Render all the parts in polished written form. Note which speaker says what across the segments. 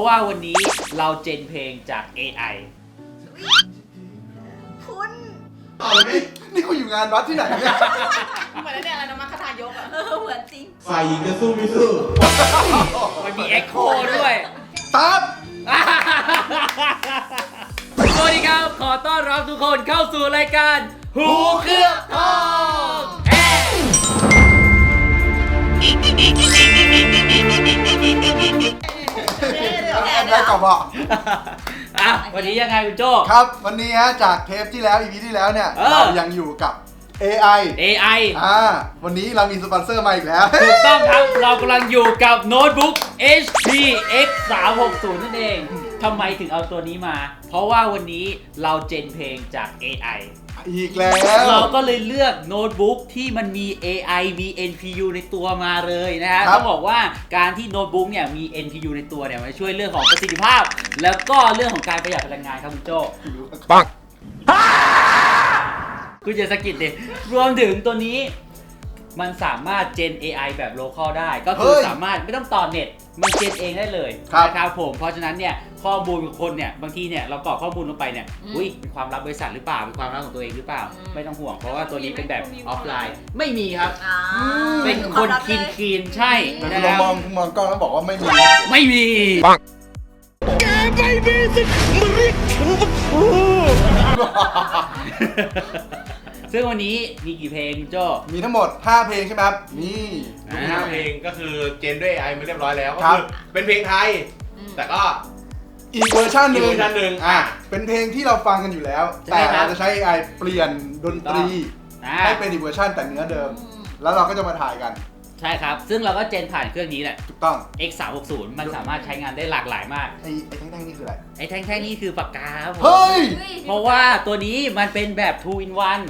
Speaker 1: ว่าวันนี้เราเจนเพลงจาก AI
Speaker 2: คุณ
Speaker 3: เอาเลยนี่คุณอยู่งานวัดที่ไหนเนี่ย
Speaker 4: เหมือนเนี่ยอะไรนะมัคคทายกอ่ะ
Speaker 2: เหมือนจริง
Speaker 5: ฝ่ายหญิงจะสู้ไม่สู้
Speaker 1: มันมีเอ็กโคด้วย
Speaker 3: ครับ
Speaker 1: สวัสดีครับ ขอต้อนรับทุกคนเข้าสู่รายการหูเคลือบทอง
Speaker 3: ได้กลับบอก
Speaker 1: วันนี้ยังไงคุณโจ้
Speaker 3: ครับวันนี้ฮะจากเทปที่แล้ว EP ที่แล้วเนี่ย เรายังอยู่กับ AI
Speaker 1: AI
Speaker 3: วันนี้เรามีสปอนเซอร์มาอีกแล้ว
Speaker 1: ถูกต้องครับ เรากำลังอยู่กับโน้ตบุ๊ก HP X 360นั่นเองทำไมถึงเอาตัวนี้มา เพราะว่าวันนี้เราเจนเพลงจาก AI
Speaker 3: อีกแล้ว
Speaker 1: เราก็เลยเลือกโน้ตบุ๊กที่มันมี AI มี NPU ในตัวมาเลยนะฮะต้องบอกว่าการที่โน้ตบุ๊กเนี่ยมี NPU ในตัวเนี่ยมันช่วยเรื่องของประสิทธิภาพ แล้วก็เรื่องของการประหยัดพลังงานครับคุณโจ้ปังคุณจะสกิดดิรวมถึงตัวนี้มันสามารถเจน AI แบบ local ได้ก็คือสามารถไม่ต้องต่อเน็ตมันเจนเองได้เลยนะครับผมเพราะฉะนั้นเนี่ยข้อมูลของคนเนี่ยบางทีเนี่ยเรากรอกข้อมูลลงไปเนี่ยเป็นความลับบริษัทหรือเปล่าเป็นความลับของตัวเองหรือเปล่าไม่ต้องห่วงเพราะว่าตัวนี้เป็นแบบออฟไลน์ไม่มีครับเป็นคนคีนใช่
Speaker 3: แต่คุณมองกล้องแล้วบอกว่าไม่มี
Speaker 1: ไม่มีแกไม่มีสิทธิ์มาเรียกฉันว่าครูซึ่งวันนี้มีกี่เพลงคุณโจ้
Speaker 3: มีทั้งหมด5เพลงใช่ไหมครับนี่
Speaker 5: 5 เพลงก็คือเจนด้วย AI มาเรียบร้อยแล้วก็
Speaker 3: ครับ
Speaker 5: คือเป็นเพลงไทย แต่ก็
Speaker 3: อีกเวอร์ชันหนึ่ง
Speaker 5: อีกเวอร์ชันหนึ่ง
Speaker 3: เป็นเพลงที่เราฟังกันอยู่แล้ว แต่เราจะใช้ AI เปลี่ยนดนตรีให้เป็นอีกเวอร์ชันแต่เนื้อเดิม แล้วเราก็จะมาถ่ายกัน
Speaker 1: ใช่ครับซึ่งเราก็เจนผ่านเครื่องนี้แหละ
Speaker 3: ถูกต้อง
Speaker 1: X 360มันสามารถใช้งานได้หลากหลายมาก
Speaker 3: ไอ้แท่งๆนี่คืออะไร
Speaker 1: ไอ้แท่งๆนี่คือปากกาครับผม
Speaker 3: เฮ้ย
Speaker 1: เพราะว่าตัวนี้มันเป็นแบบ 2 in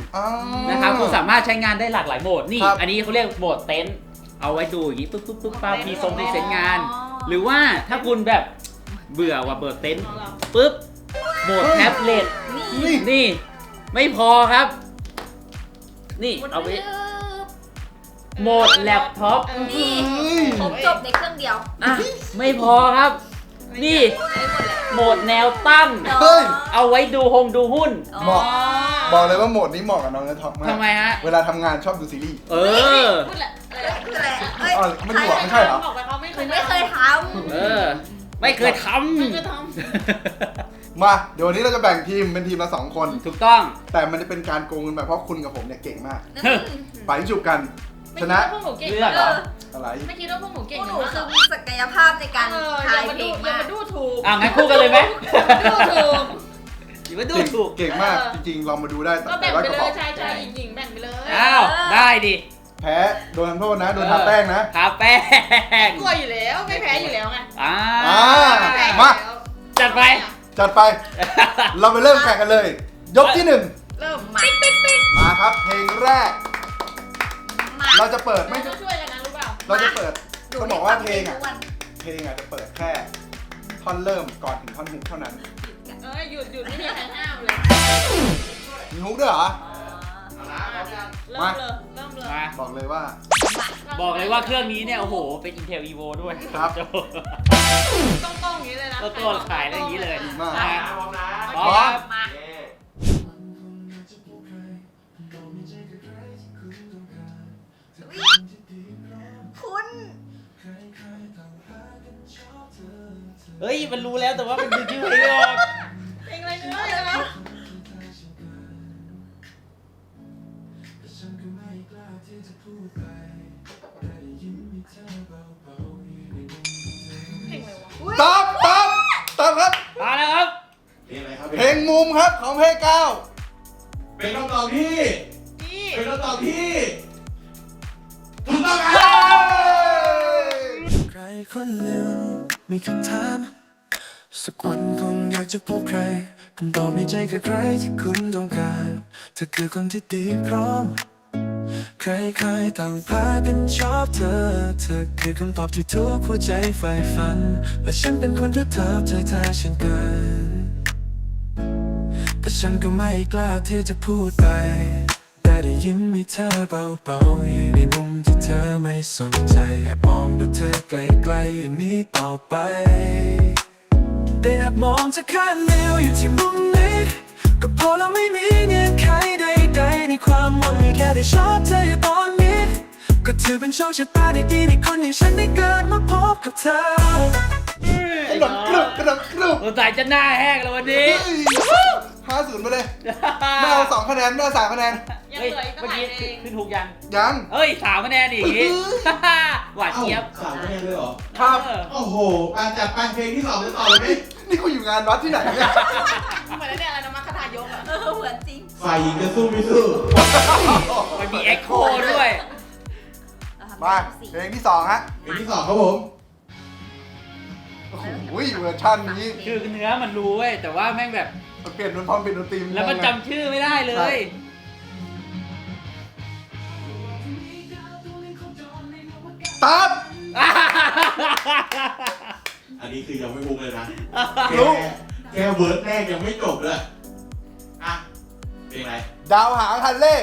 Speaker 1: 1นะครับคุณสามารถใช้งานได้หลากหลายโหมดนี่อันนี้เขาเรียกโหมดเต็นท์เอาไว้ดูอย่างนี้ปุ๊บปุ๊บปุ๊บปั๊บมีทรงพรีเซนต์งาน หรือว่าถ้าคุณแบบเบื่อว่าเบิร์ดเต็นท์ปุ๊บโหมดแท็บเล็ตนี่ไม่พอครับนี่เอาไปโหมดแล็ปท็อป
Speaker 2: นี่ผมจบในเครื่องเดียว
Speaker 1: ไม่พอครับนี่โหมดแนวตั้ง
Speaker 3: เฮ้ย
Speaker 1: เอาไว้ดูหุ้น
Speaker 3: เหมาะบอกเลยว่าโหมดนี้เหมาะกับน้องเนื้อท็อปมาก
Speaker 1: ทำไมฮะ
Speaker 3: เวลาทำงานชอบดูซีรีส์
Speaker 4: พูดแหละ
Speaker 2: คืออะไร
Speaker 3: ไม่ดูไม่ใช่เหรอ
Speaker 4: บอกไปเขาไม่เคย
Speaker 2: ไม่เคยท
Speaker 1: ไม่เคยท
Speaker 4: ไม่เคยท
Speaker 1: ำ
Speaker 3: มาเดี๋ยววันนี้เราจะแบ่งทีมเป็นทีมละ2 คน
Speaker 1: ถูกต้อง
Speaker 3: แต่มันจะเป็นการโกงกันไปเพราะคุณกับผมเนี่ยเก่งมาก
Speaker 2: ำ
Speaker 3: ไปจุบกัน
Speaker 4: ำ
Speaker 3: ชนะ
Speaker 4: พวกหนูเก่ง
Speaker 1: เลือกเหรอ
Speaker 3: อะไร
Speaker 4: ไม่คิดว่าพวกหนู
Speaker 2: พ
Speaker 4: เก่ง
Speaker 2: วกหนู
Speaker 4: มาก
Speaker 2: คือมีศักยภาพในการทายเพลง
Speaker 4: อย่าม
Speaker 2: าก
Speaker 4: มาดูถูก
Speaker 1: งั้นคู่กันเลยไหม
Speaker 4: ดูถูก
Speaker 1: อย่ามาดูถูก
Speaker 3: เก่งมากจริงๆลองมาดูได้
Speaker 4: ก็แบ่ง
Speaker 3: ว่า
Speaker 4: ไป
Speaker 3: กระ
Speaker 4: เล
Speaker 3: เป๋าย
Speaker 4: ชายหญิงแบ่งไปเลย
Speaker 1: อ้าวได้ดิ
Speaker 3: แพ้โดนทำโทษนะโดนทาแป้งนะ
Speaker 1: ทาแป้ง
Speaker 4: กลัวอยู่แล้วไม่แพ้อยู่แล้วไง
Speaker 3: มา
Speaker 1: จัดไป
Speaker 3: จัดไป เราไปเริ่มแข่งกันเลย ยกที่
Speaker 4: เริ่ม
Speaker 2: ปิ๊กปิ๊กปิ๊ก
Speaker 3: 1มาครับเพลงแรก เราจะเปิดไม่
Speaker 4: ช่วยกันนะรู้เปล่า
Speaker 3: เราจะเปิดต้องบอกว่าเพลงอ่ะจะเปิดแค่ท่อนเริ่มก่อนถึงท่อนฮุกเท่านั้น
Speaker 4: หยุดไม่มีใครห้ามเลย
Speaker 3: มีฮุกด้วยเหรอ
Speaker 4: เริ่มเลย
Speaker 1: มา
Speaker 3: บอกเลยว่า
Speaker 1: บอกเลยว่าเครื่องนี้เนี่ยโอ้โหเป็น Intel Evo ด้วย
Speaker 3: ครับ
Speaker 4: ต้องอย่างนี้เลยนะ
Speaker 1: ก็ตัวขายได้อย่างนี้เลย
Speaker 3: ดีมาก
Speaker 1: นะ
Speaker 5: พร้อมนะ
Speaker 1: พร้อม
Speaker 2: มา คุณ
Speaker 1: เฮ้ยมันรู้แล้วแต่ว่ามันดูชื่อเพลงไม่ออก
Speaker 4: เพลงอะไรเนื้อเลยนะเพลงอะไรวะ
Speaker 3: ตอบครับ
Speaker 1: มาแล้วครับ
Speaker 5: เพลงอะไรครับ
Speaker 3: เพลงมุมครับของเพลงเก้า
Speaker 5: เป็นคำตอบที่
Speaker 4: นี่
Speaker 5: เป็นคำตอบที่ถูกต้องค
Speaker 3: เย้
Speaker 5: รับ
Speaker 6: ใครคนหนึ่งมีคำถามสักวันคงอยากจะพบใครคำตอบในใจคือใครที่คุณต้องการเธอคือคนที่ดีพร้อมใครๆต่างพากันชอบเธอคือคำตอบที่ทุกหัวใจใฝ่ฝันและฉันเป็นคนที่เธอใจเธอฉันเกินแต่ฉันก็ไม่กล้าที่จะพูดไปแต่ได้ยิ้มให้เธอเบาๆอยู่ในมุมที่เธอไม่สนใจแอบมองดูเธอไกลๆอย่างนี้ต่อไปแต่แอบมองจะข้างเดียวอยู่ที่มุมนี้ก็พอแล้วไม่มีเงื่อนไขใดๆในความหวังแค่ได้ชอบเธออยู่ตอนนี้ก็ถือเป็นโชคชะตาดีๆในคนอย่างฉันได้เกิดมาพบกับเธอก
Speaker 3: ระดกกรุบกระดกกรุบ
Speaker 1: สงสัยจะหน้าแห้งแล้ววันนี้
Speaker 3: 50ไปเลยไม่เอา2คะแนนไม่เอา3คะแนน
Speaker 4: ยัง
Speaker 1: เฮ้ย
Speaker 4: เหลืออีกตั้ง
Speaker 1: เมื่อ
Speaker 4: หลาย
Speaker 1: กี้
Speaker 4: เพลง
Speaker 1: ขึ้นถูกยัง
Speaker 3: ยัง
Speaker 1: เอ้ย3คะแนนอีกอย่างงี้ หวาน
Speaker 5: เอ้า
Speaker 1: เจี๊ยบ
Speaker 5: 3คะแนนเลยเหรอ
Speaker 3: ครับ
Speaker 1: เออ
Speaker 5: โอ้โหจัดไปเพลงที่2จะต่อเลยไหม
Speaker 3: นี่กูอยู่งานวัดที่ไหนเนี่ย
Speaker 4: เหมือนเนี่ยอะไรนะมัคคทายกอะ
Speaker 2: เหมือนจริง
Speaker 5: ฝ่ายหญิงจะสู้ไม่สู้
Speaker 1: มันมีเอ็กโคด้วย
Speaker 3: มาเพลงที่2ฮะ
Speaker 5: เพลงที่2ครับผม
Speaker 3: โอ้โหเวอร์ชันนี้
Speaker 1: คือเนื้อมันรู้เว้ยแต่ว่าแม่งแบบ
Speaker 3: มันเปลี่ยนดนตรีพร้อมเปลี่ยนดนตรี
Speaker 1: แล้วมันจำชื่อไม่ได้เลย
Speaker 3: ตับ
Speaker 5: อันนี้คือยังไม่มุกเลยนะ
Speaker 3: รู้
Speaker 5: แค่เวิร์ดแรกยังไม่จบเลยอ่ะเพลงอะไร
Speaker 3: ดาวหางฮันเล่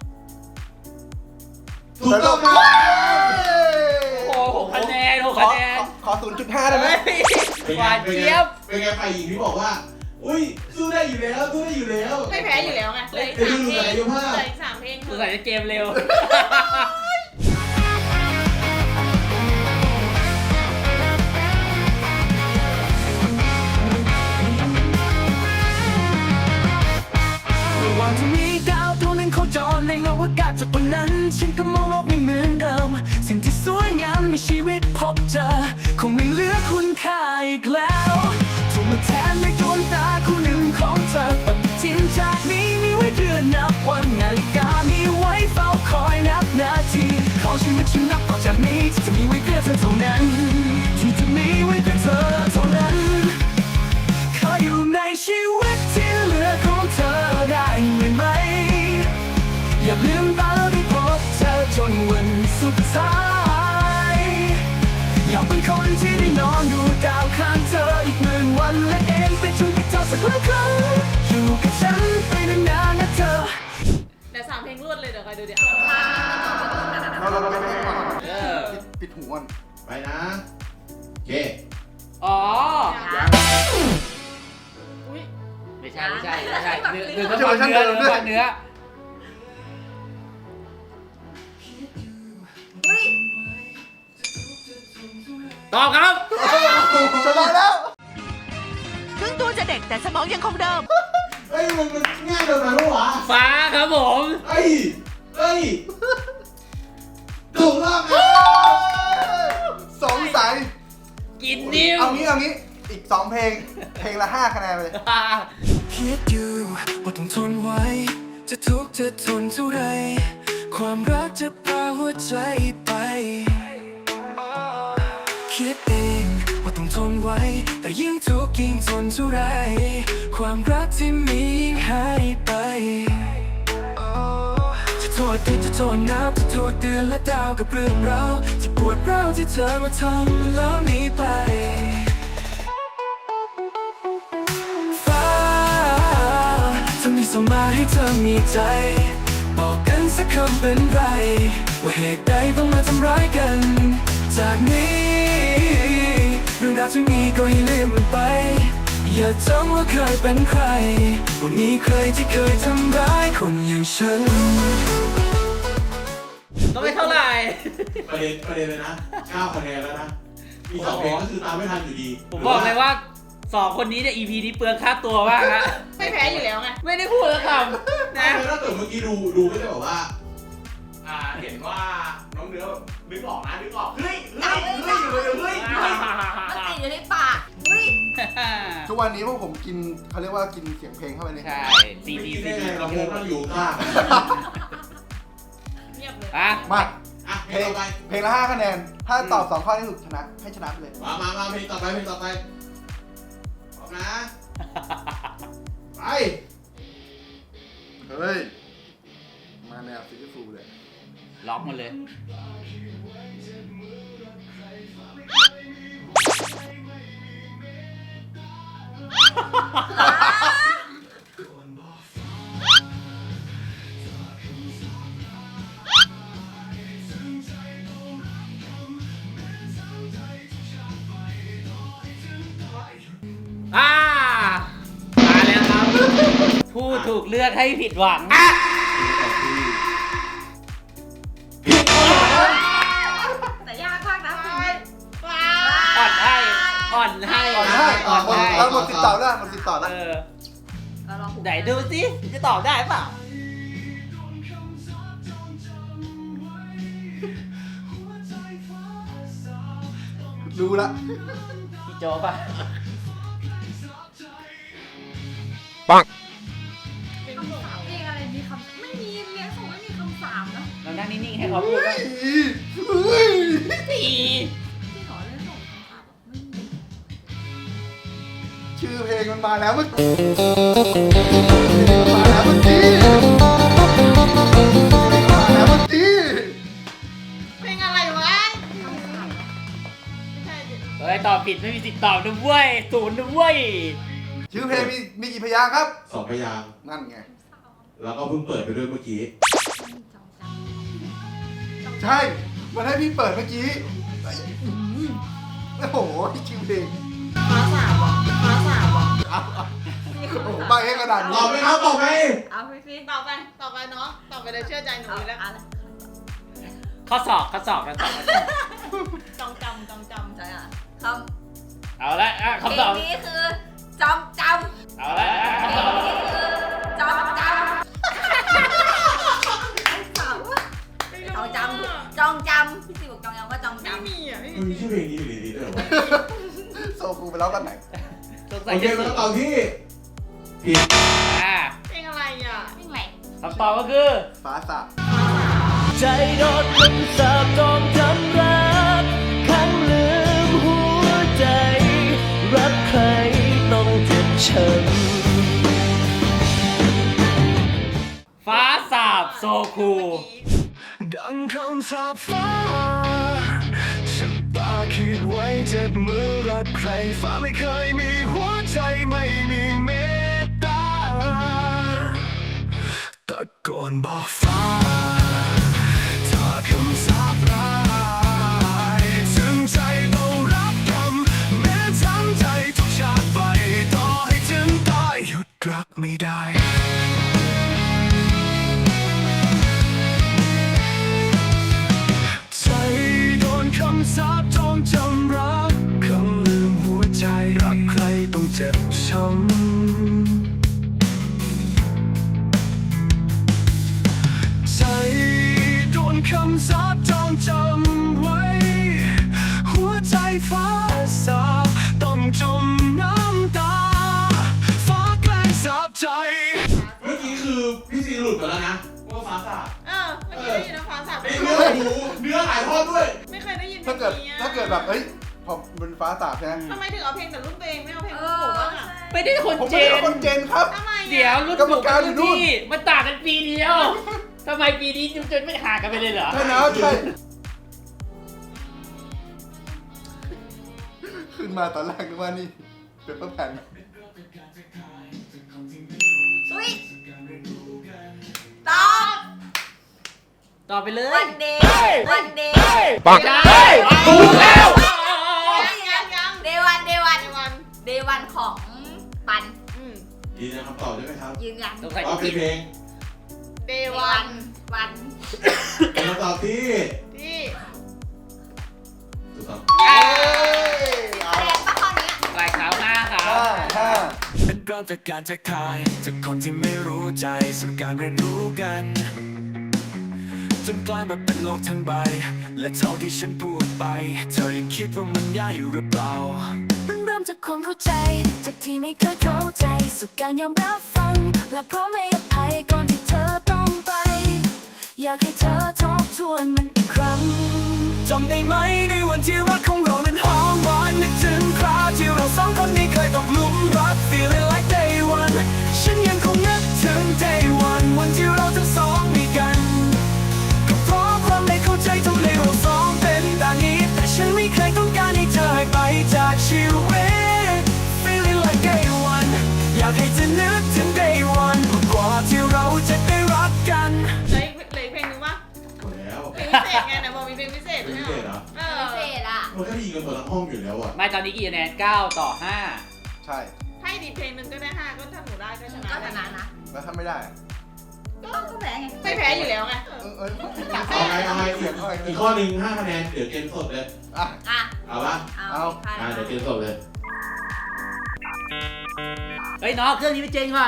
Speaker 5: ถูกต้องครับ
Speaker 1: โอ้โหคะแนน6คะแนน
Speaker 3: ขอ 0.5 ได้ไหม
Speaker 5: เป็น
Speaker 1: ห
Speaker 5: ไง
Speaker 1: วาน
Speaker 5: เป็นไง
Speaker 1: เจี๊ยบ
Speaker 5: เป็นไงฝ่ายหญิงที่บอกว่า อุ้ยสู้ได้อยู่แล้วสู้ได้อยู่แล้ว
Speaker 4: ไม่แพ้อยู่แล้วไงเหลืออีก
Speaker 5: เดี๋ยว
Speaker 4: 3
Speaker 5: ดู
Speaker 4: เพลง
Speaker 5: ศักยภาพ
Speaker 4: เหลืออีก3เพลง
Speaker 1: สงสัยจะเกมเร็ว
Speaker 6: ไม่ว่าจะมีดาวดวงหนึ่งโคจรในอวกาศจากวันนั้นฉันก็มองโลกไม่เหมือนเดิมสิ่งที่สวยงามมีชีวิตพบเจอคงไม่เหลือคุณค่าอีกแล้วถูกมาแทนในดวงตาคู่หนึ่งของเธอปฏิทินจากนี้มีไว้เดือนนับวันนาฬิกามีไว้เฝ้าคอยนับนาทีของชีวิตฉันนับต่อจากนี้ที่จะมีไว้เพื่อเธอเท่านั้นที่จะมีไว้เพื่อเธอเท่านั้นขออยู่ในชีวิตที่เหลือของเธอได้ไหมอย่าลืมตาที่พบเธอจนวันสุดท้ายอยากเป็นคนที่ได้นอนดูดาวข้างเธออีก10,000 วันและเองไปช่วยเธอสักครั้งอยู่กับฉันไปนานๆนะเธอ
Speaker 4: เดี๋ยว3เพลงรวดเลยเดี๋ยวคอยดูเดี๋ยว
Speaker 3: เราไปก่อน
Speaker 1: เออ
Speaker 3: ปิดหูก่อน
Speaker 5: ไปนะโอเค
Speaker 1: อ๋อ
Speaker 4: อุ้ย
Speaker 1: ไม่ใช่เนื้อต้องฟังเนื้อ
Speaker 2: อุ้ย
Speaker 1: ตอบครับ
Speaker 3: ชนะแล้ว
Speaker 7: ถึงตัวจะเด็กแต่สมองยังคงเดิม
Speaker 5: เฮ้ยมันง่ายเกินไปปะวะ
Speaker 1: ฟ้าครับผม
Speaker 5: เฮ้ยถูกต้องครับ
Speaker 3: สงสัย
Speaker 1: กินนิ้ว
Speaker 3: เอางี้อีก2เพลง เพลงละ5คะแนนไปเลย
Speaker 6: คิดอยู่ว่าต้องทนไว้ จะทุกข์จะทนเท่าไร ความรักจะพาหัวใจไป คิดเองว่าต้องทนไว้ แต่ยิ่งทุกข์ยิ่งทนเท่าไร ความรักที่มียิ่งหายไปจะโทษดินจะโทษน้ำจะโทษเดือนและดาวกับเรื่องราวที่ปวดร้าวที่เธอมาทำแล้วหนีไปเธอมีส่งมาให้เธอมีใจ บอกกันสักคำเป็นไร ว่าเหตุใดต้องมาทำร้ายกัน จากนี้เรื่องราวที่มีก็ให้ลืมมันไป อย่าจำว่าเคยเป็นใครว่ามีใครที่เคยทำร้ายคนอย่างฉัน
Speaker 1: ก็ไม่เท่าไหร่
Speaker 5: ประเด็นเลยนะ9คะแนนแล้วนะ มี2เพลงก็คือตามไม่ทันอยู่ดี
Speaker 1: ผมบอกเลยว่า2คนนี้เนี่ย EP นี้เปลืองค่าตัวมากฮะ
Speaker 4: ไม่แพ้อยู่แล้วไง
Speaker 1: ไม่ได้พูดแล้วคำ
Speaker 5: นะ
Speaker 1: นะ
Speaker 5: ถ้าเกิดเมื่อกี้ดูก็จะแบบว่า เห็นว่าน้องเนื้อนึกออกนะนึกออก เฮ้ยมันติด
Speaker 2: อยู่ในปากอุ้ย
Speaker 3: ทุกวันนี้พวกผมกินเขาเรียกว่ากินเสียงเพลงเข้าไปเลย
Speaker 1: ใช่
Speaker 5: ไม่
Speaker 1: CD
Speaker 5: ได้ไงเราโมกันอยู่ข้าง
Speaker 4: เงียบเลย
Speaker 1: อ่ะ
Speaker 3: มา
Speaker 5: อ่ะเพ
Speaker 3: เพ
Speaker 5: ล
Speaker 3: ล
Speaker 5: ง
Speaker 3: ง
Speaker 5: ต่อไป
Speaker 3: เพลงละ5คะแนน ถ้าตอบ2ข้อที่ถูกชนะ ให้ชนะไปเลย
Speaker 5: มาเพลงต่อไปพร้อมนะ ไป
Speaker 3: เฮ้ย มาแนวซิตี้ฟูลเลย
Speaker 1: ล็อกหมดเลย อ่ะถูกเลือกให้ผิดหวัง
Speaker 2: แต่ยากมากนะคุณ
Speaker 1: อ่อนให้อ่อนให้
Speaker 3: ก่อนได้เราหมดติดต่อได้หมดติดต่อได้
Speaker 2: เราลอง
Speaker 1: ไหนดูสิจะตอบได้เปล่า
Speaker 3: รู้ละ
Speaker 1: พี่โจป่ะ
Speaker 2: คำสามเพลงอะไรมีคำไม่มีเรียนส่งไม่มีคำสามนะ
Speaker 1: เรานั่งนิ่งๆให้เขาพูดบ้าง
Speaker 3: เฮ้ย
Speaker 1: ตี
Speaker 2: ที่ขอเรียนส่งคำสามไม่มี
Speaker 3: ชื่อเพลงมันมาแล้วเมื่อกี้มาแล้วเมื่อกี้มาแล้วเมื่อกี้
Speaker 4: เพลงอะไรวะ
Speaker 2: คำสาม
Speaker 4: ไม่ใช่ดิ
Speaker 1: เฮ้ยตอบผิดไม่มีสิทธิ์ตอบด้วยศูนย์ด้วย
Speaker 3: ชื่อเพลงมีกี่พยางค์ครับ
Speaker 5: 2 พยางค์
Speaker 3: นั่นไง
Speaker 5: แล้วก็เพิ่งเปิดไปด้วยเมื่อกี้
Speaker 3: ใช่ มันให้พี่เปิดเมื่อกี้โอ้โหชื่อเพลง
Speaker 4: ฟ้าสามว่ะฟ้าสามว่ะ
Speaker 3: โอ้โหใบให้กระดาษ
Speaker 5: ตอบไหมครับตอบไหม
Speaker 2: เอาพี่พี่
Speaker 4: ต่อไปเนาะต่อไปเลยเชื่อใจหนู
Speaker 2: เอา
Speaker 4: อยู่แล้ว
Speaker 2: อะไร
Speaker 1: ข้อสอบกันต่อ
Speaker 4: จองจำ
Speaker 2: ใช่อ่ะคำ
Speaker 1: เอาละอ่ะ
Speaker 2: เพล
Speaker 1: คำตอบ
Speaker 2: งนี้คือจำจำ
Speaker 1: เอาละอ่ะ
Speaker 2: เพล
Speaker 1: คำต
Speaker 2: ง
Speaker 1: อบ
Speaker 2: นี้คือจำจำจองจำจองจำพี่สิบอกจองจำว่าจอง
Speaker 4: ไม่
Speaker 2: จำ
Speaker 4: มีอ่ะไม่
Speaker 5: มัน
Speaker 4: มี
Speaker 5: มีชื่อเพลงนี้อยู่ในนี้ด้วยเหรอวะ
Speaker 3: โซคูไปแล้วกันไหน
Speaker 1: สงสั
Speaker 5: โอยเค
Speaker 1: จะ
Speaker 5: เป็นคำตอบที่ผิด
Speaker 1: อ่ะ
Speaker 4: เพลงอะไรอ่ะ
Speaker 2: เพลงอะไร
Speaker 1: คำตอบก็คือ
Speaker 3: ฟ้าสาบ
Speaker 6: ใจโดนคำสาปจองจำรักขังลืมหัวใจ รักใครต้องเจ็บช้ำ
Speaker 1: ฟ้าสาบโซคู
Speaker 6: ดังคำสาปฟ้าฉันตาคิดไว้เจ็บมือรักใครฟ้าไม่เคยมีหัวใจไม่มีเมตตาตะโกนบอกฟ้าถ้าคำสาปร้ายถึงใจต้องรับกรรมแม้ทั้งใจทุกชาติไปต่อให้ถึงตายหยุดรักไม่ได้ ใจโดนคำสาปจองจำรักคำลืมหัวใจรักใครต้องเจ็บช้ำใจโดนคำสาปจองจำไว้หัวใจฟ้าสาปต้องจมน้ำตาฟ้าแกล้งสาปใจ
Speaker 5: เมื่อกี้คือพี่ซีหลุดไปแล้วนะว่าฟ้าสาบ
Speaker 4: เมื่อกี้ได้ยินนะฟ้าสาม
Speaker 5: ไอ้เนื้อหายทอดด้วย
Speaker 4: ไม่เคยได้ยิน
Speaker 3: ถ้าเกิดแบบเฮ้ยพอเป็นฟ้าสาบใช่ไหม
Speaker 4: ทำไมถึงเอาเพลงแต่รุ่นตัวเองไม่เอาเพลง
Speaker 2: เอ
Speaker 4: รุ่น
Speaker 2: อ
Speaker 4: ผมบ้างอ่ะ
Speaker 1: ไม่ได้คน
Speaker 3: ผม
Speaker 1: เจ
Speaker 3: ไม่ได้
Speaker 1: น
Speaker 3: คนเจนครับ
Speaker 4: ทำไม
Speaker 1: เดี๋ยวรุ่น
Speaker 3: กรรม
Speaker 1: ผม
Speaker 3: การอยู่นู่น
Speaker 1: พี่มันต่างกันปีเดียวทำไมปีนี้จนไม่ห่างกันไปเลยเหรอ
Speaker 3: ใช่นะใช่ขึ้นมาตอนแรกนึกว่านี่เป็นเปอร์แผ่น
Speaker 2: อุ้ยตอบ
Speaker 1: ต่อไปเลย
Speaker 2: วันเดย์วันเดย์
Speaker 1: ปังได้ถูกแล้ว
Speaker 4: ยัง
Speaker 2: เดวันเดวัน
Speaker 4: ในวัน
Speaker 2: เดวันของปัน
Speaker 5: ยืนยันคำตอบได้ไหมครับ
Speaker 2: ยืนยัน
Speaker 1: สงสัย
Speaker 5: ว่า
Speaker 1: จะ
Speaker 5: เป็
Speaker 1: ผิ
Speaker 5: น
Speaker 1: ด
Speaker 5: เพลง
Speaker 4: เด
Speaker 2: เด
Speaker 4: วั
Speaker 2: วัน นวัน
Speaker 5: เป็นคำตอบที่
Speaker 4: ที่
Speaker 5: ถูกต้อง
Speaker 3: เอ้ย
Speaker 2: แสดงปะข้อนี้
Speaker 1: ลายขาว5ครับ
Speaker 3: ห้า
Speaker 6: เป็นเริ่มจากการทักทายจากคนที่ไม่รู้ใจสู่การเรียนรู้กันจนกลายมาเป็นโลกทั้งใบและเท่าที่ฉันพูดไปเธอยังคิดว่ามันยากอยู่หรือเปล่า
Speaker 8: เริ่มจากความเข้าใจ จากที่ไม่เคยเข้าใจสู่การยอมรับฟัง และพร้อมให้อภัยก่อนที่เธอต้องไป อยากให้เธอทบทวนมันอีกครั้ง
Speaker 6: จำได้ไหมในวันที่รักของเรานั้นหอมหวานนึกถึงคราวที่เราสองคนนี้เคยตกหลุมรัก feeling like day one ฉันยังคงนึกถึง day one วันที่เราทั้งสองมีกันก็เพราะความไม่เข้าใจทำให้เราสองเป็นแบบนี้แต่ฉันไม่เคยต้องการให้เธอหายไปจากชีวิต feeling like day one อยากให้เธอนึกถึง day one กว่าที่เราจะได้รักกัน
Speaker 4: เหลืออีกเพลงนึงวะ
Speaker 5: หมดแล้ว
Speaker 4: เพลงพิเศษไงนะบอกมีเพลงพิเศษ
Speaker 5: เป็น
Speaker 4: ใช่
Speaker 5: พิ
Speaker 4: ไหม
Speaker 5: เศษเหรอ
Speaker 4: เออ
Speaker 2: พิเศษอ่ะ
Speaker 5: มันก็ได้ยินกันหมดทั้งห้องอยู่แล้วอ่ะ
Speaker 1: ไม่ตอนนี้กี่คะแนน9 ต่อ 5
Speaker 3: ใช่
Speaker 4: ให้ให้ดีเพลงหนึ่งก็ได้5ก็ถ้าหนูได้ก็ชนะ
Speaker 2: ก็ชนะนะ
Speaker 3: แล้วถ้าไม่ได้
Speaker 2: ก็แพ้ไง
Speaker 4: ไม่แพ้อยู่แล้วไง
Speaker 5: เอาไงเอาไงอีกข้อหนึ่ง5 คะแนนเดี๋ยวเกมสดเลย
Speaker 3: อ่ะ
Speaker 2: อ่ะ
Speaker 5: เอาปะ
Speaker 2: เอา
Speaker 5: เดี๋ยวเกมสดเลย
Speaker 1: เฮ้ยน้องเครื่องนี้ไม่เจ๊งก่อน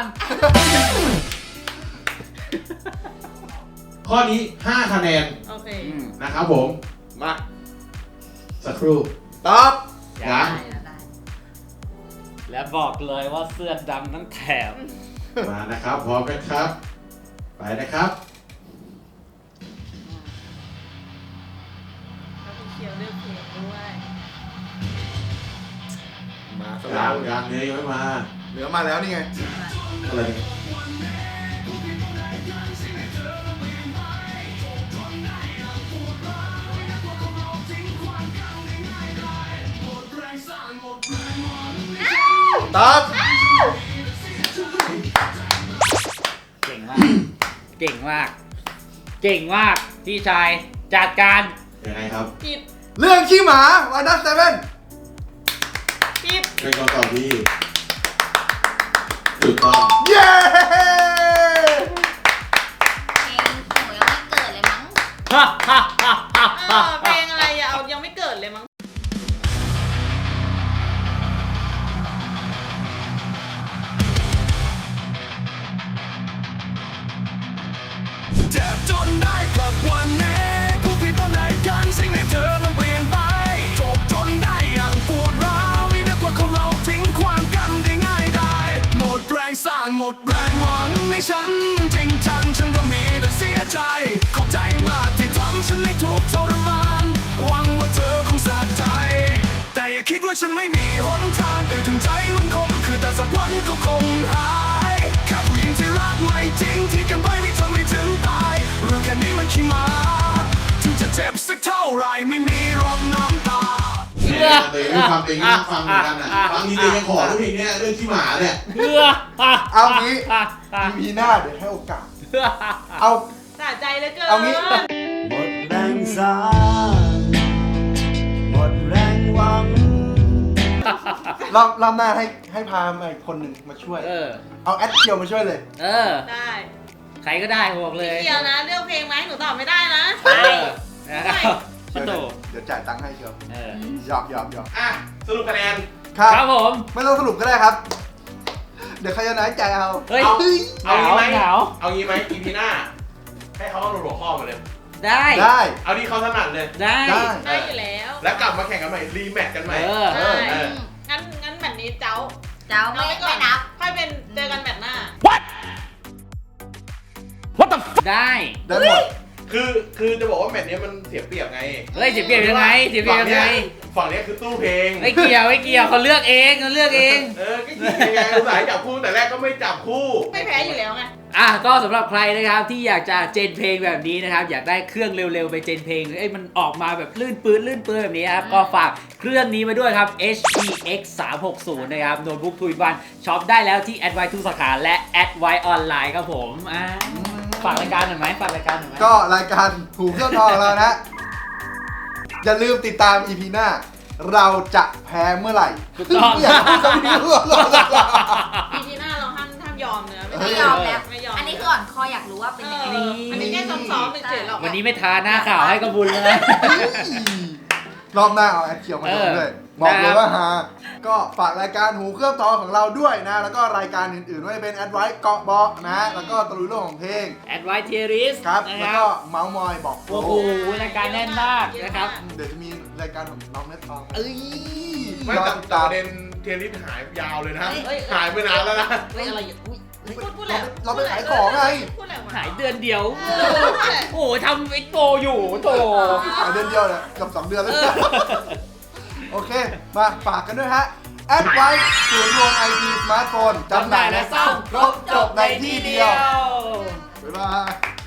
Speaker 5: ข้อนี้5 คะแนน
Speaker 4: โอเค
Speaker 5: นะครับผม
Speaker 3: มา
Speaker 5: สักครู่
Speaker 3: ตอบ
Speaker 5: ยัง
Speaker 2: ได้
Speaker 1: และบอกเลยว่าเสื้อดำทั้งแถบ
Speaker 5: มานะครับพร้อมกันครับ ไปนะครับ
Speaker 4: แล้วคุณเคียวเลือกเพลงด้วย
Speaker 3: มาส
Speaker 5: ยา
Speaker 3: ลาว
Speaker 5: ยังเนื้อยังไม่มา
Speaker 3: เหนือมาแล้วนี่ไง
Speaker 5: อะไรเนี่ย
Speaker 3: ตอบ
Speaker 1: เก่งมาก เก่งมาก เก่งมากพี่ชายจัดการ
Speaker 5: ยังไงครับ
Speaker 4: ผิด
Speaker 3: เรื่องขี้หมาวันนัทเซเว่น
Speaker 4: ผิด
Speaker 5: เป็นคำตอบที่ถูกต้อง
Speaker 3: เย้
Speaker 2: เพลงหนูยังไม่เกิดเลยมั้ง
Speaker 1: ฮ่าฮ่าฮ่าฮ่าฮ่า
Speaker 4: เพลงอะไรอะเอายังไม่เกิดเลยมั้ง
Speaker 6: เจ็บจนได้กลับวันนี้ผู้ผิดตอนไหนกันสิ่งในเธอมันเปลี่ยนไปจบจนได้อย่างปวดร้าวไม่นึกว่าคนเราทิ้งความกันได้ง่ายได้หมดแรงสร้างหมดแรงหวังในฉันจริงจังฉันก็มีแต่เสียใจขอบใจมากที่ทำฉันให้ทุกข์ทรมานหวังว่าเธอคงสะใจแต่อย่าคิดว่าฉันไม่มีหนทางแต่ถึงใจมันคงคือแต่สักวันก็คงหายแค่ผู้หญิงที่รักไม่จริงที่กันไปไม่ทำให้ถึงตายเรื่องแค่นี้มันขี้หมาถึงจะเจ็บสักเท่าไรไม่มีรองน้ำตา
Speaker 5: เนี่ยตัวเองฟังเองนั่งฟังเหมือนกันอ่ะฟังนี้เลยยังขอทุกเพลงเนี่ยเรื่องที่หมาเนี่ย
Speaker 3: เอางี้มีหน้าเดี๋ยวให้โอกาส เอา
Speaker 4: สะใจเหลือเกิน
Speaker 3: เอางี้
Speaker 6: หมดแรงสานหมดแรงหวัง
Speaker 3: รอบหน้าให้พามาอีกคนหนึ่งมาช่วย เอาแอดเกียวมาช่วยเลย
Speaker 4: ได้
Speaker 1: ใครก็ได้บอกเลย
Speaker 4: เคียวนะเลือกเพลงไหมหนูตอบไม่ได้นะ
Speaker 1: นะครับปะโต
Speaker 3: เดี๋ยวจ่ายตังค์ให้เชียวหยอก
Speaker 5: อ่ะสรุปคะแนน
Speaker 3: ครับ
Speaker 1: ครับผม
Speaker 3: ไม่ต้องสรุปก็ได้ครับ เดี๋ยวใครจะน้อยใจเอา
Speaker 1: เฮ้ย
Speaker 5: เอางี้ไหม
Speaker 1: หนาว
Speaker 5: เอางี้ไหมอีพีหน้า ให้เขาเอาหัวข้อมาเลย
Speaker 1: ได้
Speaker 3: ได้
Speaker 5: เอาที่เขาถนัดเลย
Speaker 1: ได้
Speaker 3: ได้
Speaker 4: ได้อยู่แล้ว
Speaker 5: แล้วกลับมาแข่งกันใหม่รีแมตช์กันใหม่
Speaker 4: ได้ งั้นแบบนี้เจ้า
Speaker 2: เจ้าไม่นับ
Speaker 4: ค่อยเป็นเจอกันแบบหน้า
Speaker 1: ได้
Speaker 3: ได้หมด
Speaker 5: คือจะบอกว่าแมตช์นี้มันเสียเปรียบไง
Speaker 1: เฮ้ยเสียเปรียบยังไงเสียเปรียบยังไง
Speaker 5: ฝั่งเนี้ยคือตู้เพลง
Speaker 1: ไม่เกี่ยวเขาเลือกเองเขาเลือกเอง
Speaker 5: ก็ยังไงอุตส่าห์จับคู่แต่แรกก็ไม่จับคู่
Speaker 4: ไม่แพ้อยู่แล้วไง
Speaker 1: ก็สำหรับใครนะครับที่อยากจะเจนเพลงแบบนี้นะครับอยากได้เครื่องเร็วๆไปเจนเพลงมันออกมาแบบลื่นปื้นแบบนี้ครับก็ฝากเครื่องนี้มาด้วยครับ HPX 360นะครับโน้ตบุ๊กทูอินวันช็อปได้แล้วที่ Advice ทุกสาขาและ Advice ออนไลน์ครับผมฝากรายการหน่อยไหม
Speaker 3: ก็รายการหูเครื่องทองของเรานะ อย่าลืมติดตาม EP หน้า เราจะแพ้เมื่อไหร่
Speaker 1: ถูกต้อง
Speaker 3: อยากพูดคำนี้หรอก
Speaker 4: ปีที่หน้าเราห้ามยอมเนื้อ
Speaker 2: ไม่ยอมแล้ว
Speaker 4: ไม่ยอม
Speaker 2: อันนี้คืออ่อนคออยากรู้ว่าเป็นยังไง
Speaker 4: อันนี้แค่ซ้อมๆเฉยๆหรอก
Speaker 1: วันนี้ไม่ทาหน้าข่าวให้กระบุญเลย
Speaker 3: รอบหน้าเอาแอดเคียวมาลงด้วย บอกเลยว่าฮาก็ฝากรายการหูเครื่องทองของเราด้วยนะ แล้วก็รายการอื่นๆไม่ว่าจะเป็นแอดไวท์เกาะเบาะนะ แล้วก็ตะลุยโลกของเพลง
Speaker 1: Advice Tier
Speaker 3: ครับ
Speaker 1: นะ
Speaker 3: แล้ว
Speaker 1: ค
Speaker 3: ก็
Speaker 1: รับ
Speaker 3: เมาส์มอยบอกโฟ
Speaker 1: โอ้โหรายการแน่นมากนะครับ
Speaker 3: เดี๋ยวจะมีรายการของน้องเน็ตทอง
Speaker 1: เอ้ย
Speaker 5: ไม่
Speaker 3: รอ
Speaker 5: แต่
Speaker 3: ติด
Speaker 5: ป
Speaker 3: ตาม
Speaker 5: ระเด็นเทียริสหายยาวเลยนะ
Speaker 1: เฮ้ย
Speaker 5: หายไปนานแล้วนะ
Speaker 1: เฮ้ยอะไรอุ้ย
Speaker 4: พูดแหละ
Speaker 3: เราไปขายของไง
Speaker 4: พูดแหละ
Speaker 1: หายเดือนเดียว
Speaker 4: พูดแหละ
Speaker 1: โอ้โหทำไอ้โตอยู่โต
Speaker 3: ขายเดือนเดียวเนี่ยเกับ2 เดือนแล้ว โอเค มาฝากกันด้วยฮะ แอดไวท์ศูนย์รวมไอทีสมาร์ทโฟนจำหน่ายและซ่อมครบจบในที่เดียว บ๊ายบาย